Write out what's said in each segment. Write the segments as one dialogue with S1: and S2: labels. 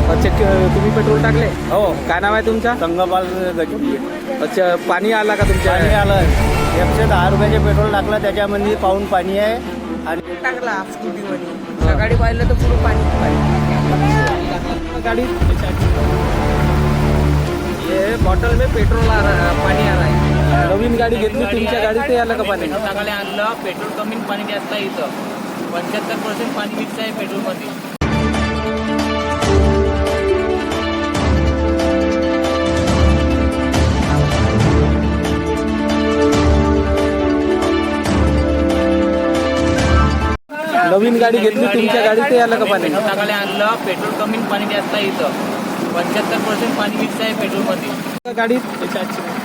S1: अच्छा तुम्ही पेट्रोल टाकले?
S2: हो.
S1: काय नाव आहे तुमचं?
S2: संगपाल गजबी.
S1: अच्छा पाणी आला का तुमच्या?
S2: पाणी आलं. 110 रुपयाचे पेट्रोल टाकलं, त्याच्यामध्ये पाऊण पाणी आहे. आणि
S3: टाकला स्कूटीमध्ये. सकाळी पाहिलं तर पुरं पाणी
S1: गाड़ी ये बॉटल में पेट्रोल आ रहा है, पाणी आ रहा है. नवीन गाडी घेतली तुमच्या गाडीत ते आलं का पाणी?
S4: सकाळी आणलं पेट्रोल कमी पाणी जास्त आहे इथं 75% पाणी मिक्स आहे पेट्रोलमध्ये.
S1: नवीन गाडी घेतली तुमच्या गाडीत ते आलं का पाणी?
S4: सकाळी आणलं पेट्रोल कमी पाणी जास्त आहे इथं 75% पाणी मिक्स आहे पेट्रोलमध्ये.
S1: गाडीत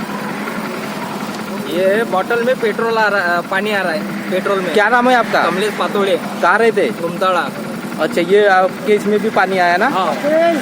S1: ये बॉटल में पेट्रोल आ रहा है, पानी आ रहा है पेट्रोल में. क्या नाम है आपका?
S4: कमलेश पातोळे,
S1: कहाँ रहते?
S4: गुमताळा.
S1: अच्छा ये आपके इसमें भी पानी आया ना?
S4: हा.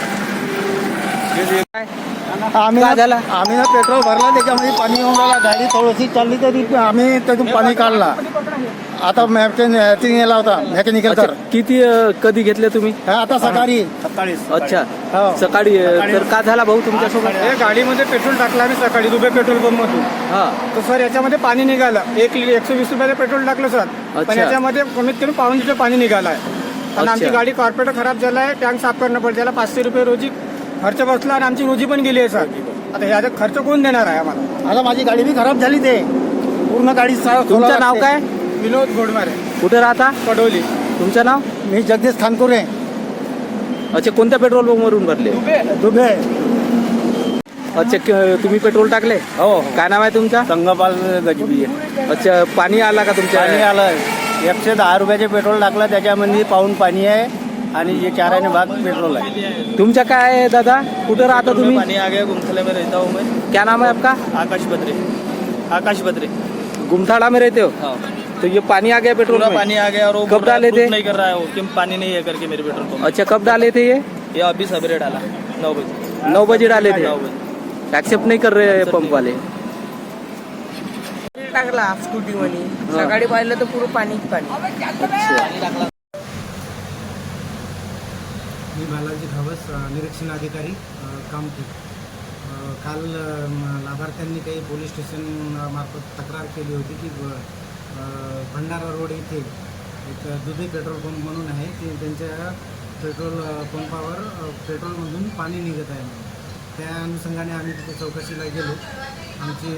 S2: आम्ही
S1: काय झालं?
S2: आम्ही ना पेट्रोल भरला, त्याच्यामध्ये पाणी येऊन राहिला. गाडी थोडीशी चालली तरी आम्ही त्यातून पाणी काढला. आता मॅचिंग गेला होता मेकॅनिकल
S1: अच्छा,
S2: तर
S1: किती कधी घेतले तुम्ही?
S2: आता सकाळी
S1: अच्छा
S2: हो.
S1: सकाळी तर का झाला भाऊ तुमच्यासोबत?
S5: हे गाडीमध्ये पेट्रोल टाकलं आम्ही सकाळी दुबे पेट्रोल पंप मधून.
S1: हा
S5: तर सर याच्यामध्ये पाणी निघालं 120 रुपयाचं पेट्रोल टाकलं सर. पण
S1: अच्छा.
S5: याच्यामध्ये कमीत कमी पाऊण लिटर पाणी निघालं आहे. आणि आमची
S1: अच्छा.
S5: गाडी कार्पोरेटर खराब झाला आहे, टँक साफ करणं पडतं. त्याला 500 रुपये रोजी खर्च बसला आणि आमची रोजी पण गेली आहे सर. आता ह्याचा खर्च कोण देणार आहे आम्हाला?
S2: आता माझी गाडी बी खराब झाली. ते पूर्ण गाडी
S1: तुमचं नाव काय?
S5: विनोद घोडमारे,
S1: कुठे राहता?
S5: पडोली.
S1: तुमचं नाव?
S2: मी जगदीश खानकुरे,
S1: अच्छा कोणत्या पेट्रोल पंप वरून भरले?
S2: दुबे.
S1: अच्छा तुम्ही पेट्रोल टाकले?
S2: हो.
S1: काय नाव आहे तुमचं?
S2: संगपाल गजबी.
S1: अच्छा पाणी आला का तुमच्या?
S2: पाणी आलं. 110 रुपयाचे पेट्रोल टाकलं, त्याच्यामध्ये पाऊण पाणी आहे आणि जे 4 भाग पेट्रोल आहे.
S1: तुमच्या काय आहे दादा? कुठे राहता तुम्ही?
S4: पानी आ गया गुमथले में रहता हूँ मैं.
S1: क्या नाम है आपका?
S4: आकाश बद्रे.
S1: गुमथाड़ा में रहते हो?
S4: हाँ.
S1: तो ये पानी आ गया पेट्रोल
S4: पूरा
S1: में?
S4: पानी आ गया और वो
S1: कब
S4: बोल रहा है,
S1: डाले थे?
S4: proof नहीं कर रहा है वो कि पानी नहीं है करके मेरे पेट्रोल पंप.
S1: अच्छा कब डाले थे
S4: ये अभी सवेरे डाला 9 बजे.
S1: 9 बजे डाले थे.
S4: 9 बजे.
S1: एक्सेप्ट नहीं कर रहे पंप वाले.
S3: टाकला स्कूटीमध्ये. सकाळी पाहिलं तर पुरं पाणी
S6: मी बालाजी घावस, निरीक्षण अधिकारी कामठी. काल लाभार्थ्यांनी काही पोलीस स्टेशन मार्फत तक्रार केली होती की भंडारा रोड इथे एक दुधे पेट्रोल पंप म्हणून आहे की त्यांच्या पेट्रोल पंपावर पेट्रोलमधून पाणी निघत आहे. त्या अनुषंगाने आम्ही तिथे चौकशीला गेलो. आमचे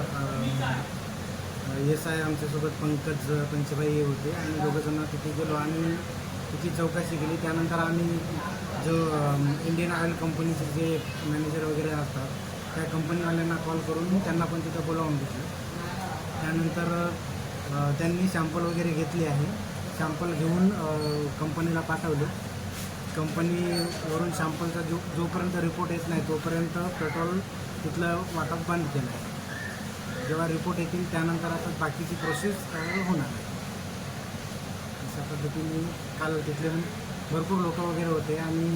S6: SI आमच्यासोबत पंकज पंचभाई होते आणि दोघंजण तिथे गेलो आणि तिची चौकशी केली. त्यानंतर आम्ही जो इंडियन ऑइल कंपनीचे जे मॅनेजर वगैरे असतात त्या कंपनीवाल्यांना कॉल करून त्यांना पण तिथं बोलावून घेतलं. त्यानंतर त्यांनी सॅम्पल वगैरे घेतले आहे. सॅम्पल घेऊन कंपनीला पाठवले. कंपनीवरून सॅम्पलचा जोपर्यंत रिपोर्ट येत नाही तोपर्यंत पेट्रोल तिथलं वाटप बंद केलं आहे. जेव्हा रिपोर्ट येतील त्यानंतर आता बाकीची प्रोसेस होणार आहे. अशा पद्धतीने काल तिथले भरपूर लोक वगैरे होते आणि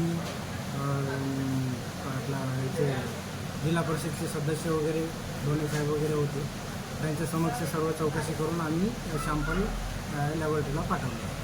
S6: आपला इथे जिल्हा परिषदचे सदस्य वगैरे दोन्ही साहेब वगैरे होते. त्यांच्या समक्ष सर्व चौकशी करून आम्ही सॅम्पल लॅबोरेटरीला पाठवलं.